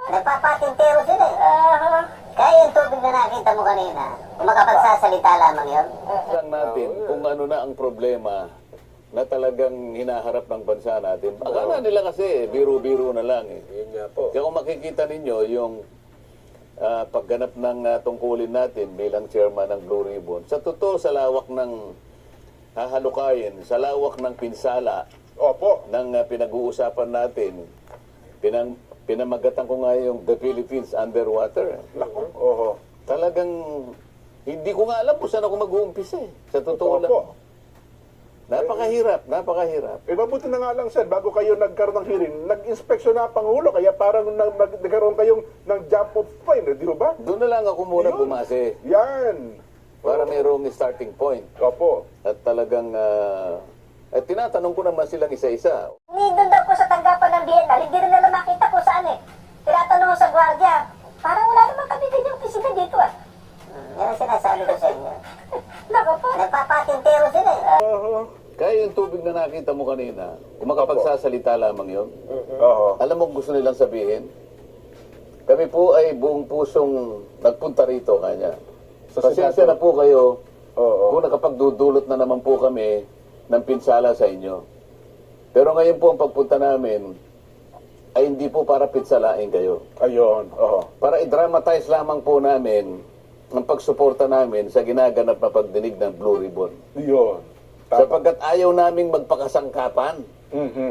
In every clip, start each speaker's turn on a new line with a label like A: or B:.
A: Nagpapatintero sila eh. Kaya yung tubig na nakita mo kanina, kung makapagsasalita lamang yun.
B: Lang natin kung ano na ang problema na talagang hinaharap ng bansa natin. Akala nila kasi biro-biro na lang eh.
C: Yun nga po.
B: Kaya kung makikita ninyo yung pagganap ng tungkulin natin bilang chairman ng Blue Ribbon, sa totoo sa lawak ng hahalukayin, sa lawak ng pinsala
C: Opo.
B: ng pinag-uusapan natin, pinamagatan ko nga yung The Philippines Underwater.
C: Naku. Oho.
B: Talagang hindi ko nga alam kung saan ako mag-uumpisa eh. Sa totoo lang.
C: Opo.
B: Napakahirap, napakahirap.
C: Eh, mabuti na nga lang, sir, bago kayo nagkaroon ng hearing, nag-inspeksyon na ang Pangulo, kaya parang nagkaroon kayong ng jump of point, di ba?
B: Doon na lang ako muna
C: Yun.
B: bumase
C: Yan.
B: para mayroong starting point.
C: Opo.
B: At talagang, tinatanong ko naman silang isa-isa.
A: Hindi doon daw po sa tanggapan ng Bienal, hindi rin nila makita kung saan eh. Tinatanong sa gwardiya, parang wala naman kami din yung opisina dito ah. Yan ang sinasabi ko sa inyo. Naku po. Nagpapatintero sila eh.
C: Oho.
B: Kaya yung tubig na nakita mo kanina, kung makapagsasalita lamang yun,
C: Oho.
B: alam mo kung gusto nilang sabihin? Kami po ay buong pusong nagpunta rito kanya. Pasensya na po kayo
C: Oo.
B: kung nakapagdudulot na naman po kami ng pinsala sa inyo. Pero ngayon po ang pagpunta namin ay hindi po para pinsalain kayo.
C: Ayun. Oho.
B: Para i-dramatize lamang po namin ang pagsuporta namin sa ginaganap na pagdinig ng Blue Ribbon.
C: Yun.
B: Sapagkat ayaw naming magpakasangkapan.
C: Mhm.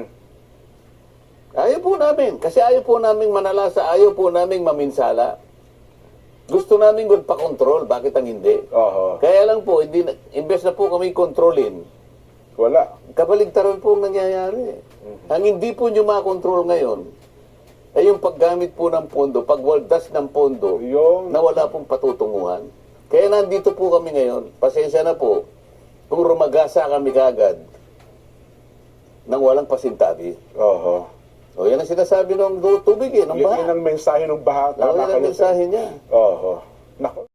B: Ayaw po namin. Kasi ayaw po naming manalasa, ayaw po naming maminsala. Gusto naming magpakontrol. Bakit ang hindi?
C: Oho.
B: Kaya lang po, imbes na po kami kontrolin,
C: Wala.
B: kabaligtaran po ang nangyayari. Ang hindi po nyo makontrol ngayon, ay yung paggamit po ng pondo, pagwaldas ng pondo,
C: Yun.
B: na wala pong patutunguhan. Kaya nandito po kami ngayon. Pasensya na po kung rumagasa kami kagad nang walang pasintabi.
C: Oho.
B: O yan ang sinasabi ng tubig eh, ng
C: Yun
B: baha.
C: ang mensahe ng baha.
B: O, yan
C: Tama
B: ang
C: kayo, sir.
B: mensahe niya.
C: Oho. Naku.